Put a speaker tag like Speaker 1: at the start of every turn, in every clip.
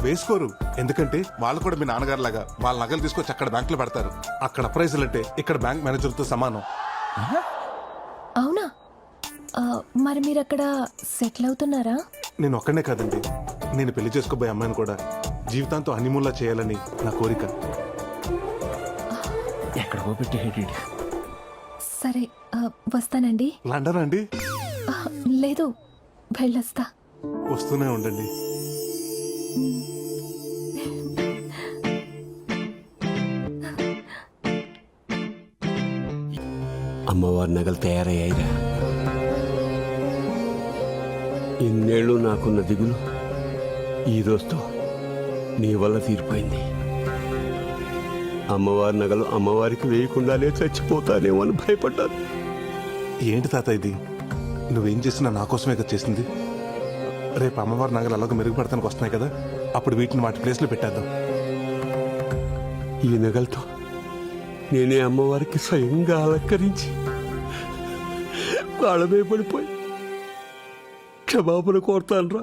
Speaker 1: వేసుకోరు. ఎందుకంటే వాళ్ళు కూడా మీ నాన్నగారు లాగా వాళ్ళ నగలు తీసుకొచ్చి అక్కడ బ్యాంకులో పెడతారు. అక్కడ ప్రైజులు అంటే ఇక్కడ బ్యాంక్ మేనేజర్తో సమానం.
Speaker 2: అవునా? మరి మీరు అక్కడ సెటిల్ అవుతున్నారా?
Speaker 1: నేను ఒక్కనే కాదండి, నేను పెళ్లి చేసుకోబోయే అమ్మాయిని కూడా జీవితాంతో హనీమూన్లా చేయాలని నా కోరిక.
Speaker 3: ఎక్కడికో పెట్టి
Speaker 2: సరే, వస్తానండి.
Speaker 1: లండన్ అండి?
Speaker 2: లేదు, వెళ్ళొస్తా.
Speaker 1: వస్తూనే ఉండండి.
Speaker 4: అమ్మవారి నగలు తయారయ్యాయిరా. ఇన్నేళ్ళు నాకున్న దిగులు ఈ రోజుతో నీ వల్ల తీరిపోయింది. అమ్మవారి నగలు అమ్మవారికి వేయకుండానే చచ్చిపోతానేమో అని భయపడ్డాను.
Speaker 1: ఏంటి తాత ఇది? నువ్వేం చేసినా నా కోసమే కదా చేసింది. రేపు అమ్మవారి నగలు అలాగ మెరుగుపడతానికి వస్తున్నాయి కదా, అప్పుడు వీటిని వాటి ప్లేస్లో పెట్టేద్దాం.
Speaker 4: ఈ నగలతో నేనే అమ్మవారికి స్వయంగా అలంకరించి వాళ్ళమే పడిపోయి క్షమాపణ కోరుతానురా.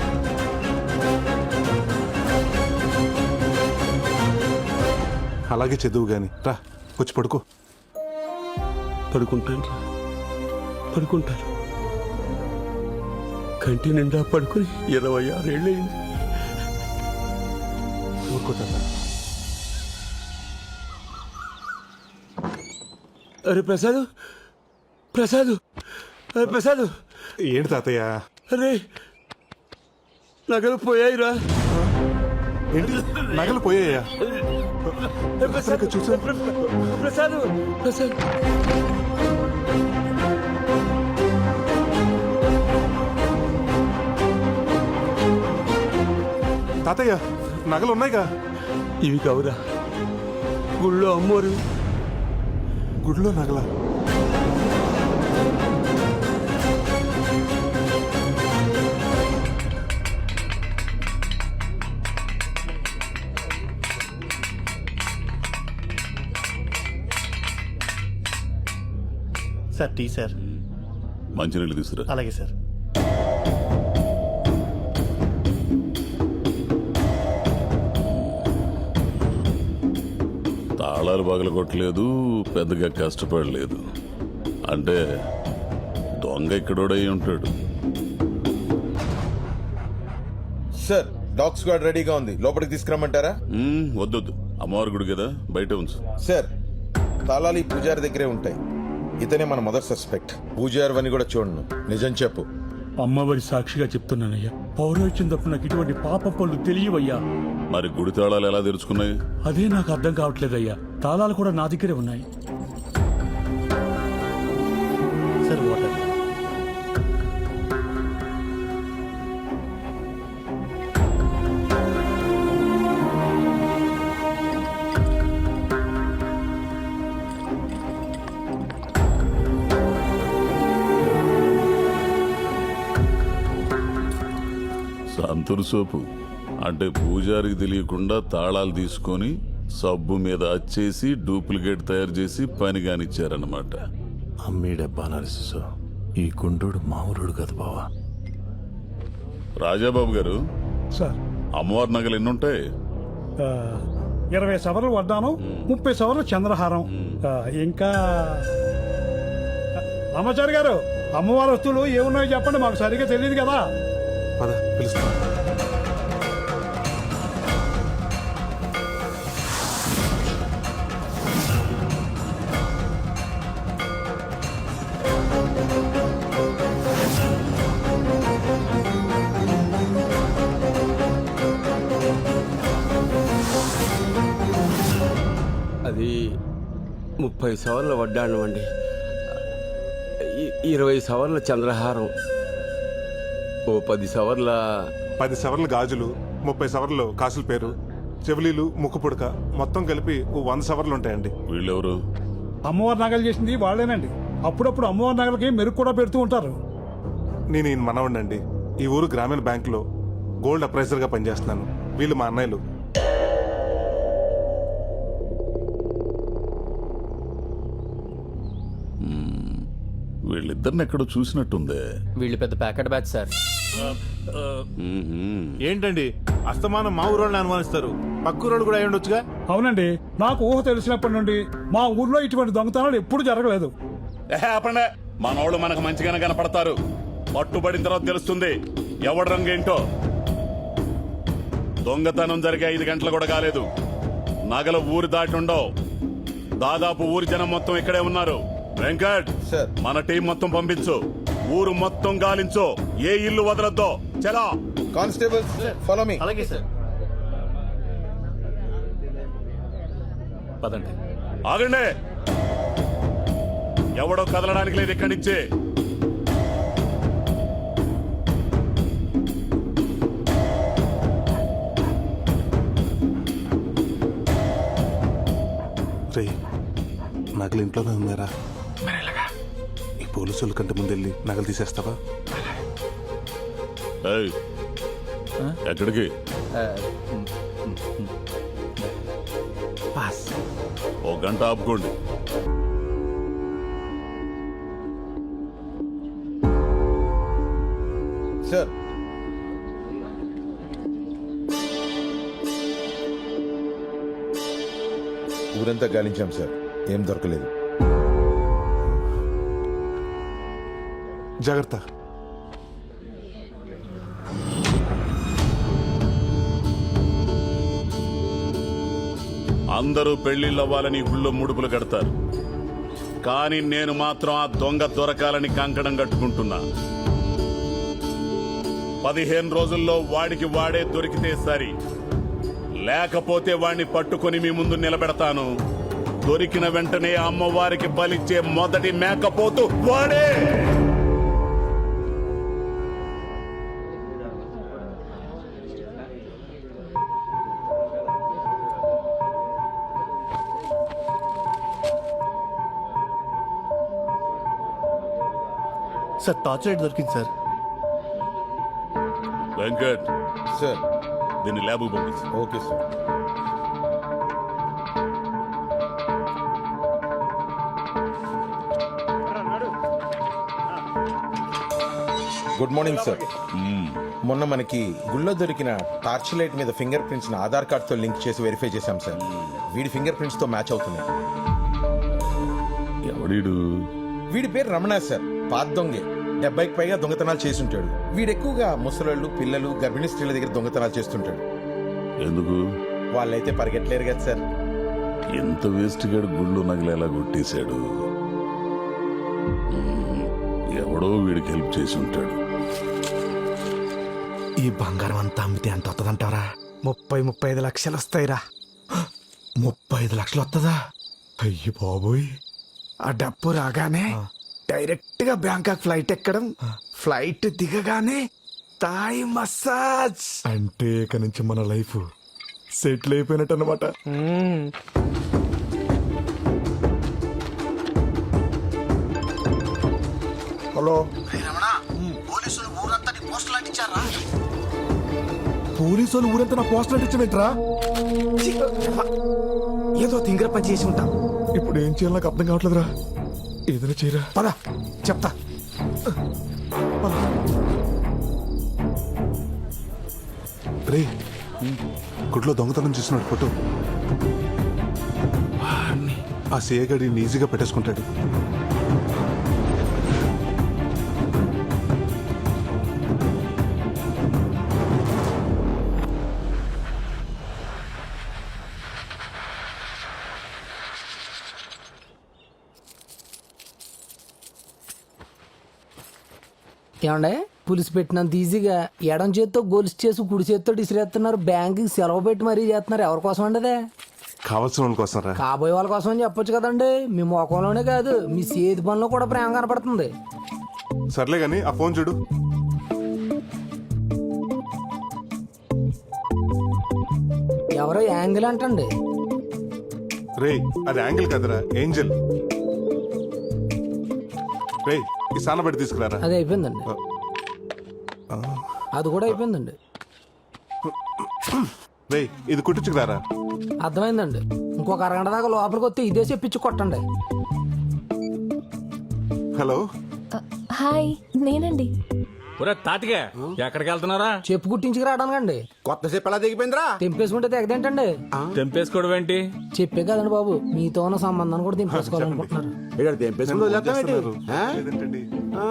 Speaker 1: అలాగే చదువు గాని రా, వచ్చి పడుకో.
Speaker 4: పడుకుంటాను రా, పడుకుంటాను. కంటి నిండా పడుకుని 26 ఏళ్ళయింది.
Speaker 1: ఊరుకోతా.
Speaker 4: అరే ప్రసాద్, ప్రసాద్, అరే ప్రసాద్.
Speaker 1: ఏంటి తాతయ్య?
Speaker 4: అరే నగలు పోయాయిరా.
Speaker 1: ఏంటి నగలు పోయాయా?
Speaker 4: ప్రసాద్
Speaker 1: చూసా.
Speaker 4: ప్రసాద్, ప్రసాద్.
Speaker 1: తాతయ్య నగలు ఉన్నాయిగా?
Speaker 4: ఇవి కావురా, గుళ్ళో అమ్మోరు.
Speaker 1: గుడిలో నగల?
Speaker 3: Sir tea sir.
Speaker 5: మంచినీళ్ళు తీసుకురా.
Speaker 3: అలాగే సార్.
Speaker 5: తాళాలు పగల కొట్టలేదు, పెద్దగా కష్టపడలేదు. అంటే దొంగ ఇక్కడోడై ఉంటాడు.
Speaker 6: సార్, డాగ్ స్క్వాడ్ రెడీగా ఉంది, లోపలికి తీసుకురమ్మంటారా?
Speaker 5: వద్దొద్దు, అమ్మవారి గుడి కదా, బయట ఉంచు.
Speaker 6: సార్, తాళాలు ఈ పూజారి దగ్గరే ఉంటాయి. ఇతనే మన మొదటి సస్పెక్ట్. పూజారి అని కూడా చూడను. నిజం చెప్పు.
Speaker 7: అమ్మవారి సాక్షిగా చెప్తున్నానయ్యా, పౌరోహిత్యం తప్పు నాకు ఇటువంటి పాప పనులు తెలియవయ్యా.
Speaker 5: మరి గుడి తాళాలు ఎలా తెరుచుకున్నాయి?
Speaker 7: అదే నాకు అర్థం కావట్లేదయ్యా. తాళాలు కూడా నా దగ్గరే ఉన్నాయి.
Speaker 3: Sir water.
Speaker 5: సంతూర్ సోపు అంటే పూజారికి తెలియకుండా తాళాలు తీసుకొని సబ్బు మీద అచ్చేసి డూప్లికేట్ తయారు చేసి పని కానిచ్చారన్నమాట.
Speaker 8: అమ్మీడబ్బా నరసిసు, ఈ గుండోడు మామూలుడు కదా బావా.
Speaker 5: రాజాబాబు గారు,
Speaker 7: సార్,
Speaker 5: అమ్మవారి నగలు ఎన్నుంటాయి?
Speaker 7: 20 సవర్లు వడ్డానం, 30 సవర్లు చంద్రహారం, ఇంకా రామాచారి గారు, అమ్మవారి వస్తువులు ఏమున్నాయో చెప్పండి, మాకు సరిగ్గా తెలియదు కదా.
Speaker 1: పద పిలుస్తా.
Speaker 4: అది 30 సవర్ల వడ్డాణం అండి, 20 సవర్ల చంద్రహారం, ఓ 10 సవర్ల
Speaker 1: 10 సవర్లు గాజులు, 30 సవర్లు కాసుల పేరు, చెవులీలు, ముక్కు పుడక, మొత్తం కలిపి 100 సవర్లు ఉంటాయండి.
Speaker 5: వీళ్ళెవరు?
Speaker 7: అమ్మవారి నగలు చేసింది వాళ్ళేనండి. అప్పుడప్పుడు అమ్మవారి నగలకి మెరుగు కూడా పెడుతూ ఉంటారు.
Speaker 1: నేను ఈయన మనవడినండి. ఈ ఊరు గ్రామీణ బ్యాంకులో గోల్డ్ అప్రైజర్గా పనిచేస్తున్నాను. వీళ్ళు మా అన్నయ్యలు.
Speaker 5: వీళ్ళిద్దరిని ఎక్కడో చూసినట్టుందే.
Speaker 9: వీళ్ళు పెద్ద ప్యాకెట్ బ్యాచ్ సార్.
Speaker 5: మ్మ్హ్మ్.
Speaker 8: ఏంటండి
Speaker 9: అస్తమానం మా ఊరోళ్ళని అనుమానిస్తారు, పక్క ఊరోళ్ళు కూడా అయి ఉండొచ్చుగా.
Speaker 7: అవునండి, నాకు ఊహ తెలిసినప్పటి నుండి మా ఊర్లో ఇటువంటి దొంగతనాలు ఎప్పుడు జరగలేదు.
Speaker 5: ఆపండి, మనోళ్ళు మనకు మంచిగానే కనపడతారు. పట్టుబడిన తర్వాత తెలుస్తుంది ఎవడి రంగు ఏంటో. దొంగతనం జరిగే 5 గంటలు కూడా కాలేదు. నగలు ఊరు దాటి ఉండవు. దాదాపు ఊరి జనం మొత్తం ఇక్కడే ఉన్నారు. వెంకట్,
Speaker 6: సార్.
Speaker 5: మన టీం మొత్తం పంపించు. ఊరు మొత్తం గాలించు, ఏ ఇల్లు వదలొద్దో. చలా.
Speaker 6: Constables follow me.
Speaker 3: అలాగే సార్.
Speaker 4: పదండి.
Speaker 5: ఆగండి, ఎవడో కదలడానికి లేదు ఇక్కడి నుంచి.
Speaker 1: రే నగలు ఇంట్లోనే ఉన్నారా? ఈ పోలీసుల కంటే ముందు వెళ్ళి నగలు తీసేస్తావా?
Speaker 5: ఏయ్, ఎక్కడికి?
Speaker 3: పాస్.
Speaker 5: ఓ గంట ఆపుకోండి.
Speaker 6: సార్, ఊరంతా గాలించాం సార్, ఏం దొరకలేదు.
Speaker 1: జాగ్రత్త.
Speaker 5: అందరూ పెళ్లిళ్ళవ్వాలని గుళ్ళో ముడుపులు కడతారు, కానీ నేను మాత్రం ఆ దొంగ దొరకాలని కంకణం కట్టుకుంటున్నా. 15 రోజుల్లో వాడికి వాడే దొరికితే సరి, లేకపోతే వాడిని పట్టుకొని మీ ముందు నిలబెడతాను. దొరికిన వెంటనే అమ్మవారికి బలిచ్చే మొదటి మేకపోతు వాడే.
Speaker 3: సార్ టార్చ్ లైట్ దొరికింది సార్.
Speaker 5: వెంకట్,
Speaker 6: సార్.
Speaker 5: దీన్ని ల్యాబ్ పంపించు.
Speaker 6: Okay sir. Good morning sir. మొన్న మనకి గుళ్ళో దొరికిన టార్చ్ లైట్ మీద ఫింగర్ ప్రింట్స్ ఆధార్ కార్డ్ తో లింక్ చేసి వెరిఫై చేశాం సార్. వీడి ఫింగర్ ప్రింట్స్ తో మ్యాచ్ అవుతున్నాయి.
Speaker 5: ఎవడీడు?
Speaker 6: వీడి పేరు రమణ సార్, పాత దొంగే. 70కి పైగా దొంగతనాలు చేస్తుంటాడు. వీడు ఎక్కువగా ముసలోళ్ళు, పిల్లలు, గర్భిణీ స్త్రీల దగ్గర దొంగతనాలు చేస్తుంటాడు.
Speaker 5: ఎందుకు?
Speaker 6: వాళ్ళైతే పరిగెట్టలేరు కదా సార్.
Speaker 5: ఎంత వేస్ట్ గాడు గుళ్ళు నగలు ఎలా కొట్టేశాడు. ఎవడో వీడికి హెల్ప్ చేసి ఉంటాడు.
Speaker 10: ఈ బంగారం అంతా అమ్మితే ఎంత వస్తుందంటారా? 30-35 లక్షలు వస్తాయిరా. 35 లక్షలు వస్తుందా? అయ్యి బాబోయ్. ఆ డబ్బు రాగానే డైరెక్ట్ గా బ్యాంకాక్ ఫ్లైట్ ఎక్కడం, ఫ్లైట్ దిగగానే థాయ్ మసాజ్. అంటే ఇక నుంచి మన లైఫ్ సెటిల్ అయిపోయినట్టు అనమాట. హలో, పోలీసు వాళ్ళు ఊరంతా నా పోస్టర్ అంటించమేంట్రా? ఏదో తింగర పని చేసి ఉంటాం. ఇప్పుడు ఏం చేయాలి నాకు అర్థం కావట్లేదురా. ఏదైనా చేయరా. పద చెప్తా.
Speaker 1: రే గుడ్లో దొంగతనం చేస్తున్నాడు ఫోటో. ఆ సిఏ గడి ఈజీగా పెట్టేసుకుంటాడు.
Speaker 11: ఏమండే పులిసి పెట్టినంత ఈజీగా ఎడం చేత్తో గొలుసు చేసి కుడి చేత్తో ఇసిరేస్తున్నారు. బ్యాంకుకి సెలవు పెట్టి మరీ చేస్తున్నారు. ఎవరి కోసం అండి అదే?
Speaker 1: కావాల్సిన వాళ్ళ కోసం రా.
Speaker 11: కాబోయే వాళ్ళ కోసం అని చెప్పొచ్చు కదండి. మీ ముఖంలోనే కాదు మీ చేతి పనిలో కూడా ప్రేమ కనపడుతుంది.
Speaker 1: సర్లే గాని ఆ ఫోన్ చూడు.
Speaker 11: ఎవరో యాంగిల్ అంటండి.
Speaker 1: రే అది యాంగిల్ కదరా, ఏంజల్. రే ఈ సానబడి తీసుకురారా.
Speaker 11: అది అయిపోయిందండి. అది కూడా అయిపోయిందండి.
Speaker 1: రే ఇది కుట్టించుకురారా.
Speaker 11: అర్థమైందండి. ఇంకొక అరగంట దాకా లోపలికి వస్తే ఇదే చెప్పించి కొట్టండి.
Speaker 1: హలో.
Speaker 2: హాయ్, నేనండి.
Speaker 4: ఒరే తాతిగా ఎక్కడికి వెళ్తున్నారా?
Speaker 11: చెప్పు కుట్టించుకు రావడానికండి.
Speaker 10: కొత్త చెప్పు ఎలా దిగిపోయిందిరా?
Speaker 11: తెంపేసుకుంటే తెగదేంటండి?
Speaker 4: తెంపేసుకోవడం ఏంటి?
Speaker 11: చెప్పే కదండి బాబు, మీతో ఉన్న సంబంధాన్ని కూడా తెంపేసుకోవాలనుకుంటున్నారు.
Speaker 1: లేదంటండి.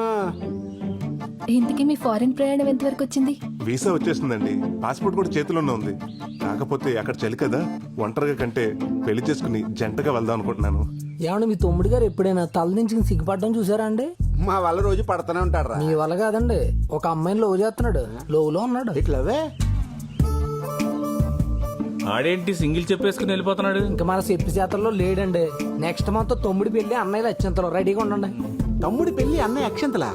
Speaker 2: ఇంతకీ మీ ఫారెన్ ప్రయాణం ఎంతవరకు వచ్చింది?
Speaker 1: వీసా వచ్చేసిందండి, పాస్పోర్ట్ కూడా చేతిలోనే ఉంది. కాకపోతే అక్కడ చలి కదా, ఒంటరిగా కంటే పెళ్లి చేసుకుని జంటగా వెళ్దాం అనుకుంటున్నాను.
Speaker 11: ఏమండి మీ తమ్ముడు గారు ఎప్పుడైనా తల నుంచి సిగ్గుపడడం చూసారా అండి?
Speaker 10: మా వాళ్ళ రోజు పడతానే ఉంటాడు.
Speaker 11: మీ వల్ల కాదండి, ఒక అమ్మాయిని లవ్ చేస్తున్నాడు, లోవులో ఉన్నాడు.
Speaker 10: ఇట్లవే
Speaker 4: ఆడేంటి సింగిల్ చెప్పేసుకుని వెళ్ళిపోతున్నాడు?
Speaker 11: ఇంకా మన చెప్పి చేతల్లో లేడండి. నెక్స్ట్ మంత్ తమ్ముడి పెళ్లి, అన్నయ్యలు అత్యంతలో రెడీగా ఉండండి.
Speaker 10: తమ్ముడి పెళ్లి అన్నయ్య అక్షంతలా?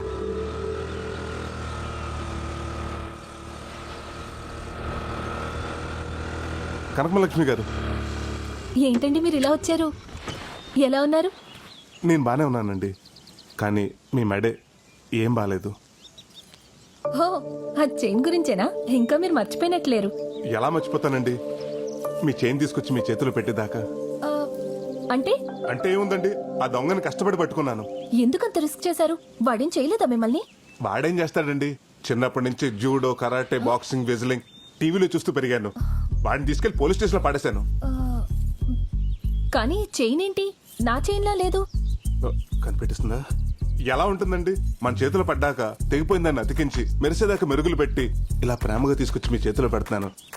Speaker 1: కనకమలక్ష్మి గారు,
Speaker 2: ఏంటండి మీరు ఇలా వచ్చారు? ఎలా ఉన్నారు?
Speaker 1: నేను బానే ఉన్నానండి, కానీ మీ మెడే ఏం బాలేదు.
Speaker 2: ఓ, ఆ చైన్ గురించేనా? ఇంకా మీరు మర్చిపోయినట్లేరు.
Speaker 1: ఎలా మర్చిపోతానండి, మీ చైన్ తీసుకొచ్చి మీ చేతిలో పెట్టేదాకా.
Speaker 2: ఆ, అంటే
Speaker 1: అంటే ఏముందండి, ఆ దొంగని కష్టపడి పట్టుకున్నాను.
Speaker 2: ఎందుకంత రిస్క్ చేశారు? వాడేం చేయలేదా మిమ్మల్ని?
Speaker 1: వాడేం చేస్తాడండి, చిన్నప్పటి నుంచి జూడో, కరాటే, బాక్సింగ్, వెజ్లింగ్ టీవీలో చూస్తూ పెరిగాను. వాడిని తీసుకెళ్లి పోలీస్ స్టేషన్ లో పడేశాను.
Speaker 2: ఆ, కానీ చైన్ ఏంటి నా చైన్లా లేదు?
Speaker 1: కనిపెట్టిస్తుందా? ఎలా ఉంటుందండి, మన చేతిలో పడ్డాక తెగిపోయిందాన్ని అతికించి మెరిసేదాకా మెరుగులు పెట్టి ఇలా ప్రేమగా తీసుకొచ్చి మీ చేతిలో పెడుతున్నాను.